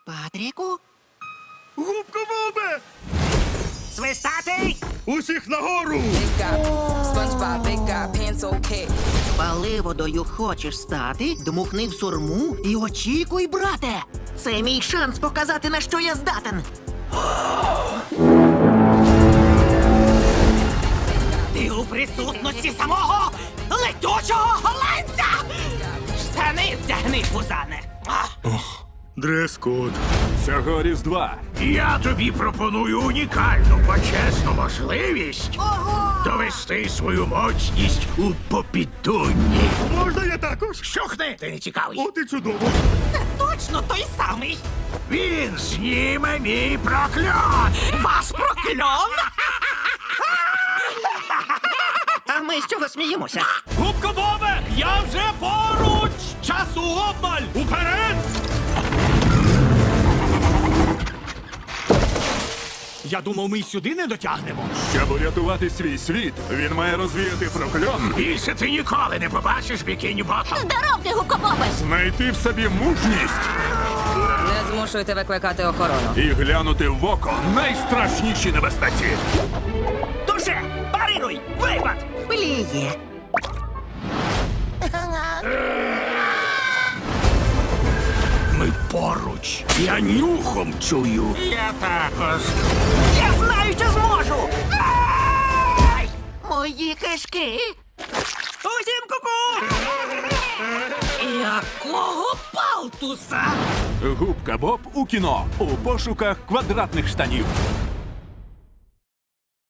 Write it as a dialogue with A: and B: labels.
A: Патріку?
B: Губка Бобе!
A: Свистатий!
B: Усіх нагору!
C: Big guy, SpongeBob, big guy, pencil cat.
A: Паливодою хочеш стати? Дмухни в сурму і очікуй, брате! Це мій шанс показати, на що я здатен. Ти у присутності самого летючого голландця! Штани вдягни, пузане!
B: Дрес-код.
D: Цього Різдва
E: Я тобі пропоную унікальну почесну можливість
A: Ого!
E: довести свою моцність у попідунні.
B: Можна я також?
E: Щухни, ти не цікавий.
B: От і чудово.
A: Це точно той самий!
E: Він зніме мій прокльон.
A: Вас прокльон! А ми з чого сміємося?
B: Губка Бобе! Я вже поруч! Часу обмаль! Уперед! Я думав, ми й сюди не дотягнемо.
D: щоб урятувати свій світ, він має розвіяти прокльон,
E: Більше ти ніколи не побачиш бікіні Ботом.
F: Здоров ти, гукобобе!
D: знайти в собі мужність
C: Не змушуйте викликати охорону.
D: і глянути в око найстрашніші небезпеці.
A: Туше! Парируй! Випад! Пліє!
E: Ми поруч. Я нюхом чую. Я також.
A: Я знаю, що зможу! Ай! Мої кишки! Усім ку-ку! Якого палтуса?
D: Губка Боб у кіно у пошуках квадратних штанів.